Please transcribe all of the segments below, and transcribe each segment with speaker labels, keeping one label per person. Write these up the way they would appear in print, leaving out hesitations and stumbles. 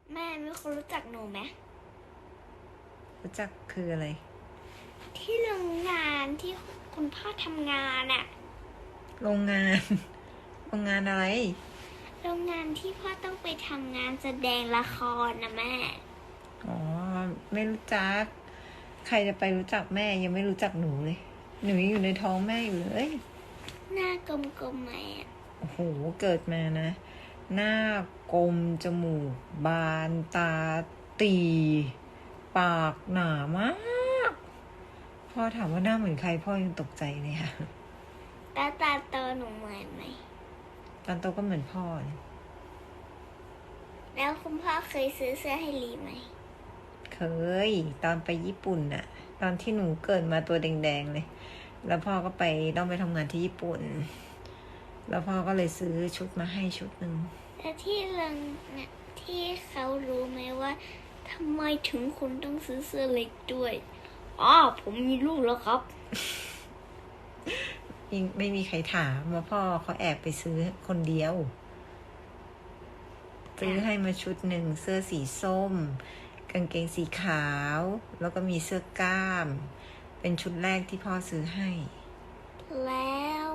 Speaker 1: แม่มีคนรู้จักหนูไหม
Speaker 2: รู้จักคืออะไร
Speaker 1: ที่โรงงานที่คุณพ่อทำงานอะ
Speaker 2: โรงงาน โรงงานอะไร
Speaker 1: โรงงานที่พ่อต้องไปทำงานแสดงละครนะแม่
Speaker 2: อ๋อไม่รู้จักใครจะไปรู้จักแม่ยังไม่รู้จักหนูเลยหนูยังอยู่ในท้องแม่อยู่เลย
Speaker 1: หน้ากลมๆไหมอะ
Speaker 2: โอ้โหเกิดมานะหน้ากลมจมูกบานตาตีปากหนามากพ่อถามว่าหน้าเหมือนใครพ่อยังตกใจเลยค่ะ
Speaker 1: แล้วตาโตหนูเหมือนไหม
Speaker 2: ตอนโตก็เหมือนพ่อเนี่ย
Speaker 1: แล้วคุณพ่อเคยซื้อเสื้อให้ลีไหม
Speaker 2: เคยตอนไปญี่ปุ่นน่ะตอนที่หนูเกิดมาตัวแดงๆเลยแล้วพ่อก็ต้องไปทำงานที่ญี่ปุ่นแล้วพ่อก็เลยซื้อชุดมาให้ชุดหนึ่ง
Speaker 1: แล้วที่เรื่องเนี่ยที่เขารู้ไหมว่าทำไมถึงคุณต้องซื้อเสื้อเล็กด้วยอ๋อผมมีลูกแล้วครับ
Speaker 2: ไม่มีใครถามว่าพ่อเขาแอบไปซื้อคนเดียวซื้อให้มาชุดหนึ่งเสื้อสีส้มกางเกงสีขาวแล้วก็มีเสื้อกล้ามเป็นชุดแรกที่พ่อซื้อให้
Speaker 1: แล้ว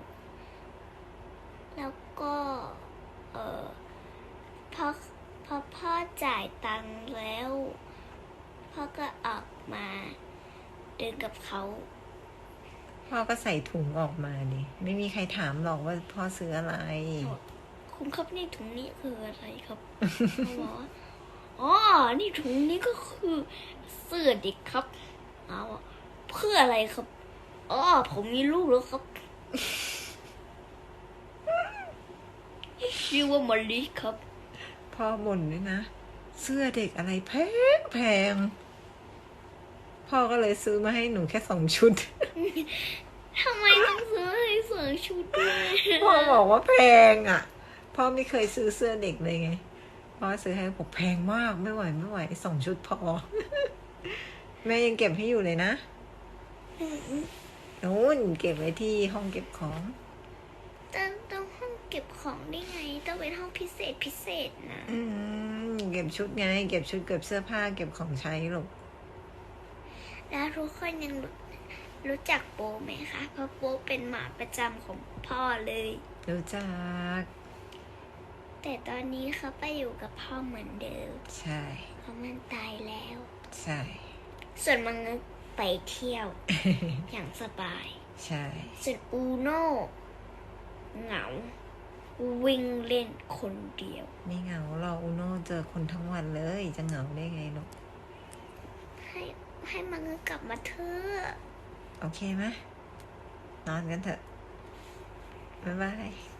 Speaker 1: แล้วก็เออพอพอพ่อจ่ายตังค์แล้วพ่อก็ออกมาเดินกับเขา
Speaker 2: พ่อก็ใส่ถุงออกมาดิไม่มีใครถามหรอกว่าพ่อซื้ออะไร
Speaker 1: คุณครับนี่ถุงนี้คืออะไรครับ เขาบอกว่าอ๋อนี่ถุงนี้ก็คือเสื้อเด็กครับเอาเพื่ออะไรครับอ๋อผมมีลูกแล้วครับ ชื่อว่ามอลลี่ครับ
Speaker 2: พ่อบ่นด้วยนะเสื้อเด็กอะไรแพงพ่อก็เลยซื้อมาให้หนูแค่2 ชุด
Speaker 1: ทำไมต้องซื้อให้2 ชุดด้วย
Speaker 2: พ่อบอกว่าแพงอ่ะพ่อไม่เคยซื้อเสื้อเด็กเลยไงพ่อซื้อให้บอกแพงมากไม่ไหว2 ชุดพอ แม่ยังเก็บให้อยู่เลยนะนู้นเก็บไว้ที่ห้องเก็บของ
Speaker 1: ต้องห้องเก็บของได้ไงต้องเป็นห้องพิเศษนะ
Speaker 2: เก็บชุดไงเก็บชุดเก็บเสื้อผ้าเก็บของใช้ลูก
Speaker 1: แล้วทุกคนยังรู้จักโปไหมคะเพราะโปเป็นหมาประจำของพ่อเลย
Speaker 2: รู้จัก
Speaker 1: แต่ตอนนี้เขาไปอยู่กับพ่อเหมือนเดิม
Speaker 2: ใช่
Speaker 1: เพราะมันตายแล้ว
Speaker 2: ใช่
Speaker 1: ส่วนมังงึกไปเที่ยว อย่างสบาย
Speaker 2: ใช่
Speaker 1: ส่วนอูโน่เหงาวิ่งเล่นคนเดียว
Speaker 2: ไม่เหงาเราอูโน่เจอคนทั้งวันเลยจะเหงาได้ไงลูก
Speaker 1: ให้มังงึกกลับมาเถอะ
Speaker 2: โอเคไหมนอนกันเถอะบ๊ายบาย